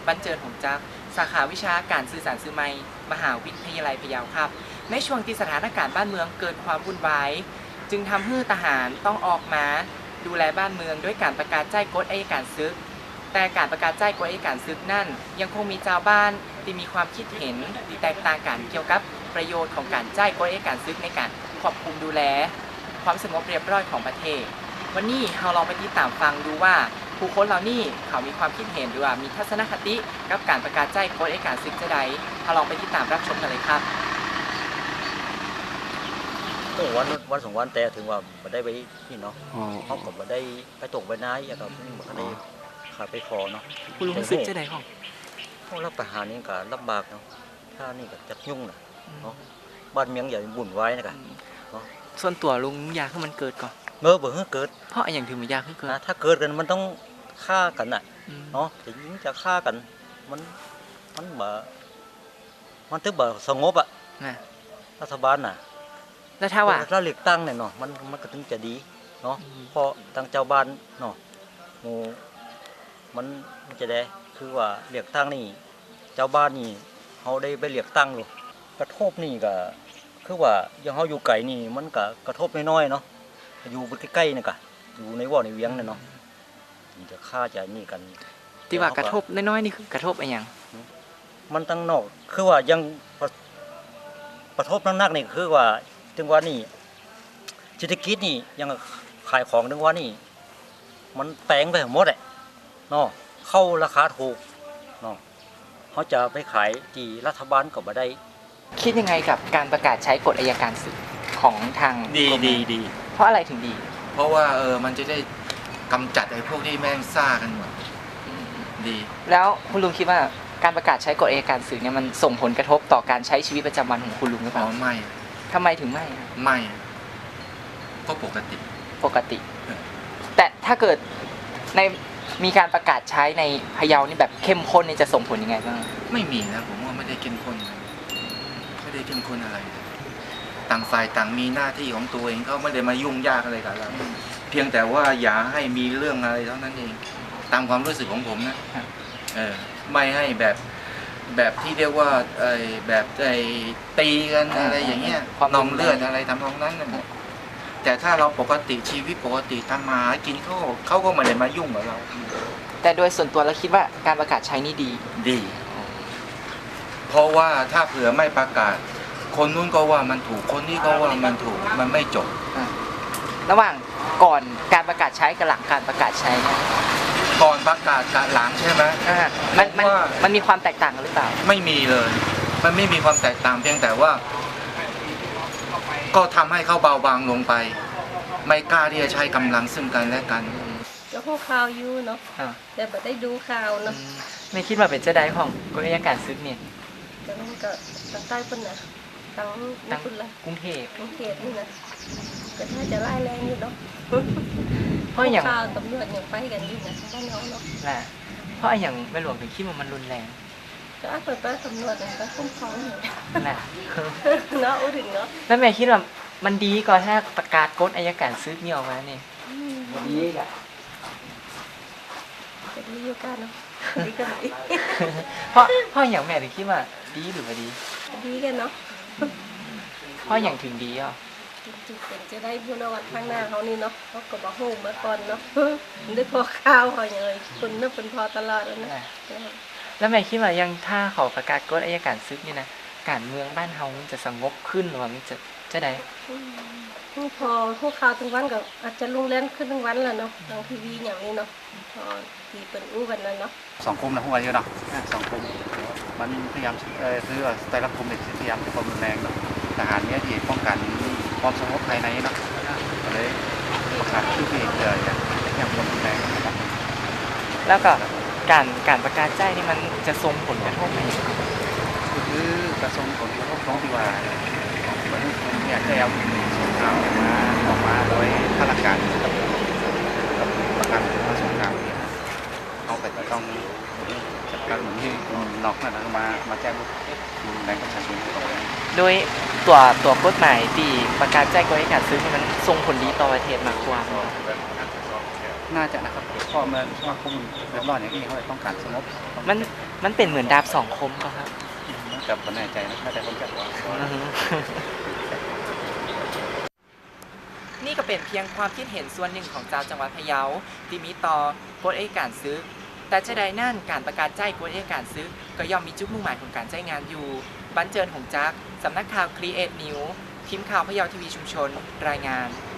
บรรเจิดหงจักสาขาวิชาการสื่อสารสื่อไมมหาวิทยาลัยพะเยาครับในช่วงที่สถานการณ์บ้านเมืองเกิดความวุ่นวายจึงทำให้ทหารต้องออกมาดูแลบ้านเมืองด้วยการประกาศใจกฎอัยการศึกแต่การประกาศใจกฎอัยการศึกนั่นยังคงมีชาวบ้านที่มีความคิดเห็นที่แตกต่างกันเกี่ยวกับประโยชน์ของการใจกฎอัยการศึกในการควบคุมดูแลความสงบเรียบร้อยของประเทศวันนี้เราลองไปติดตามฟังดูว่าผู้คนเหล่านี้เขามีความคิดเห็นหรือว่ามีทัศนคติกับการประกาศใจกฎอัยการศึกจะใดเราลองไปติดตามรับชมกันเลยครับโอ้วันสองวันแต่ถึงว่าบ่ได้ไปนี่เนาะเขาก็บ่ได้ไปตกไปน้าอย่างกับบ่ได้ขาไปคอเนาะคุณรู้สึกจะใดของพวกรับประหารนี่ก็ลำบากเนาะถ้านี่ก็จักยุ่งนะเนาะบ้านเมืองอย่าบุ่นไว้นะกันเนาะส่วนตัวลุงอยากให้มันเกิดก่อนบ่ให้เกิดเพราะอย่างถึงมันอยากให้เกิดถ้าเกิดกันมันต้องฆ่ากันน่ะเนาะจะยิงจะฆ่ากันมันบ่มันถึงบ่สงบอ่ะรัฐบาลน่ะแล้วถ้าว่าถ้าเลือกตั้งเนี่ยเนาะมันก็ถึงจะดีเนาะเพราะทางเจ้าบ้านเนาะหมู่มันจะได้คือว่าเลือกตั้งนี่เจ้าบ้านนี่เฮาได้ไปเลือกตั้งอยู่กระทบนี่ก็คือว่าอย่างเฮาอยู่ไกลนี่มันก็กระทบน้อยๆเนาะอยู่ใกล้ๆนี่ก็อยู่ในว่อในเวียงเนี่ยเนาะมันจะฆ่าจะนี่กันที่ว่ากระทบน้อยๆนี่คือกระทบอะไรอย่างมันตั้งนอกคือว่ายังกระทบนักๆนี่คือว่าถึงว่านี่เศรษฐกิจนี่ยังขายของถึงว่านี่มันแปลงไปหมดเลยเนาะเข้าราคาถูกเนาะเขาจะไปขายที่รัฐบาลก็บ่ได้คิดยังไงกับการประกาศใช้กฎอัยการศึกของทางดีเพราะอะไรถึงดีเพราะว่ามันจะได้กำจัดไอ้พวกที่แม่งซ่ากันหมดดีแล้วคุณลุงคิดว่าการประกาศใช้กฎอัยการศึกเนี่ยมันส่งผลกระทบต่อการใช้ชีวิตประจำวันของคุณลุงหรือเปล่าไม่ทำไมถึงไม่ก็ปกติแต่ถ้าเกิดในมีการประกาศใช้ในพะเยานี่แบบเข้มข้นนี่จะส่งผลยังไงบ้างไม่มีนะผมว่าไม่ได้เข้มข้นอะไรต่างฝ่ายต่างมีหน้าที่ของตัวเองเขาไม่ได้มายุ่งยากอะไรกับเราเพียงแต่ว่าอย่าให้มีเรื่องอะไรเท่านั้นเองตามความรู้สึกของผมนะไม่ให้แบบที่เรียกว่าแบบตีกันอะไรอย่างเงี้ยนองเลือดอะไรทำนองนั้นนะแต่ถ้าเราปกติชีวิตปกติทำมาหากินเขาก็ไม่ได้มายุ่งกับเราแต่โดยส่วนตัวเราคิดว่าการประกาศใช้นี่ดีเพราะว่าถ้าเผื่อไม่ประกาศคนนู้นก็ว่ามันถูกคนนี้ก็ว่ามันถูกมันไม่จบระหว่างก่อนการประกาศใช้กับหลังการประกาศใช้เนี่ยก่อนประกาศกับหลังใช่ไหมมันมีความแตกต่างหรือเปล่าไม่มีเลยมันไม่มีความแตกต่างเพียงแต่ว่าก็ทำให้เขาเบาบางลงไปไม่กล้าที่จะใช้กำลังซึ่งกันและกันก็พวกข่าวอยู่เนาะแต่ไม่ได้ดูข่าวเนาะไม่คิดว่าเป็นเจ้าใดของกฎอัยการศึกเนี่ยแต่มันก็ตั้งใต้ปุ่นนะตั้งปุ่นละกรุงเทพนี่นะก็ถ้าจะไล่แรงอยู่เนาะเพราะอย่างข่าวตำรวจยังไปกันอยู่นะบ้านเราเนาะเพราะอย่างแม่หลวงถึงคิดว่ามันรุนแรงก็เปิดตำรวจก็คุ้มครองอยู่เนาะถึงเนาะแล้วแม่คิดว่ามันดีกว่าถ้าประกาศกฎอัยการศึกนี่ออกมาเนี่ยดีอ่ะจะดีอยู่กันเนาะดีกันดีเพราะอย่างแม่ถึงคิดว่าดีหรือว่าดีกันเนาะเพราะอย่างถึงดีอ่ะจะได้พูดเอาวันข้างหน้าเขานี่เนาะเขาก็บอกโหมาก่อนเนาะได้พอข้าวเขาอย่างเลยคุณน่าเป็นพอตลอดแล้วนะแล้วแม่คิดว่ายังถ้าเขาประกาศกฎอัยการศึกนี่นะการเมืองบ้านเฮามันจะสงบขึ้นหรือว่ามันจะได้พอพวกข่าวทั้งวันก็อาจจะลุงเล่นขึ้นทั้งวันแล้วเนาะทางทีวีอย่างนี้เนาะพอทีเป็นอู้กันแล้วเนาะ 2 กลุ่มนะพวกเราเยอะเนาะ2 กลุ่มมันพยายามคือแต่ละกลุ่มพยายามจะความรุนแรงเนาะทหารเนี่ยที่ป้องกันความสงบภายในเนาะก็เลยประกาศชื่อเพลงเลยอย่างความรุนแรงนะครับแล้วก็การประกาศใจนี่มันจะส่งผลกระทบไหมคือกระทรวงของที่ท้องที่ว่าเนี่ยได้เอาสงครามออกมาโดยข้าราชการกับประกันสงครามเนี่ยเอาไปต้องจัดการเหมือนที่นอกนั่นนะมาแจ้งแรงประชาชนโดยตัวกฎหมายที่ประกาศใจกฎอัยการศึกมันส่งผลดีต่อประเทศมากกว่าน่าจะนะครับเพราะมันสมาคมเดือดร้อนอย่างนี้เขาเลยต้องการสงบมันเป็นเหมือนดาบสองคมป่ะครับกับคนแน่ใจนะถ้าแต่คนจัดว่านี่ก็เป็นเพียงความคิดเห็นส่วนหนึ่งของชาวจังหวัดพะเยาที่มีต่อกฎอัยการศึกแต่จะได้นั่นการประกาศใจกฎอัยการศึกก็ย่อมมีจุดมุ่งหมายของการใช้งานอยู่บันเจิดหงจักสำนักข่าว Create News ทีมข่าวพะเยาทีวีชุมชนรายงาน